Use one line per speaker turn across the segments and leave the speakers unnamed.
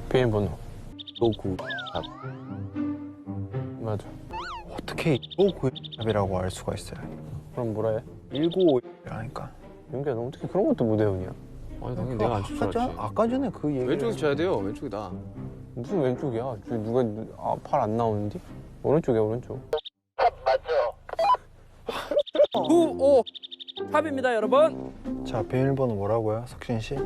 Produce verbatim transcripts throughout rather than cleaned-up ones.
비밀번호.
오구.
맞아.
어떻게 오구이라고 알 수가 있어요?
그럼 뭐라 해?
일구오일이라니까.
윤기야, 너 어떻게 그런 것도 못 외우냐?
아니 당연히 내가 안 칠 줄
아까, 전,
알았지.
아까 전에 그 얘기.
왼쪽에서 쳐야 돼요. 왼쪽이다.
무슨 왼쪽이야? 저 누가 아, 팔 안 나오는데? 오른쪽이야, 오른쪽.
구, 오, 탑입니다, 여러분.
자, 비밀번호 뭐라고요, 석진 씨?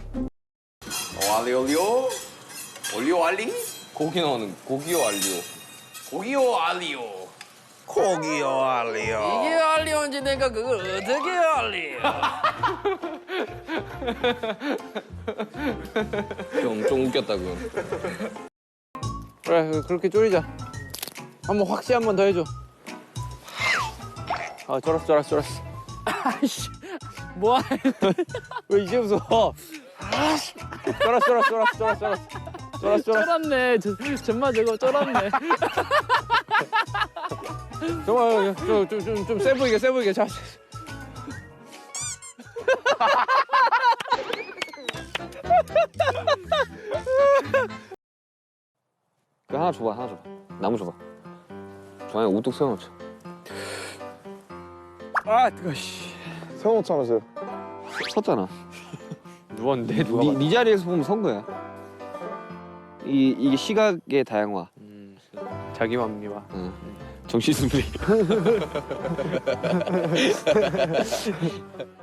알리 올리오 올리오 알리
고기 나오는 고기요 알리오.
고기요 알리오 고기요 알리오
이게 알리온지 내가 그걸 어떻게 알리?
좀, 좀 웃겼다 그건. 그래 그렇게 졸이자. 한번 확시 한 번 더 해줘. 아 쫄았어 쫄았어 쫄았어.
아이씨, 뭐야?
왜 이제 웃어? 쫄았어 쫄았어 쫄았어 쫄았어 쫄았어 쫄았어 쫄았어.
쫄았네. 저, 정말 저거 쫄았네.
정말 좀좀좀 세 보이게 세 보이게 자. 그 하나 줘봐 하나 줘봐. 나무 줘봐. 좋아요 우뚝 세워놓자. 아 뜨거 씨.
세워놓자면서요.
섰잖아.
누웠는데 누가?
네, 네 자리에서 보면 선 거야. 이 이게 시각의 다양화.
음, 자기만 미화.
응. 정신 승리.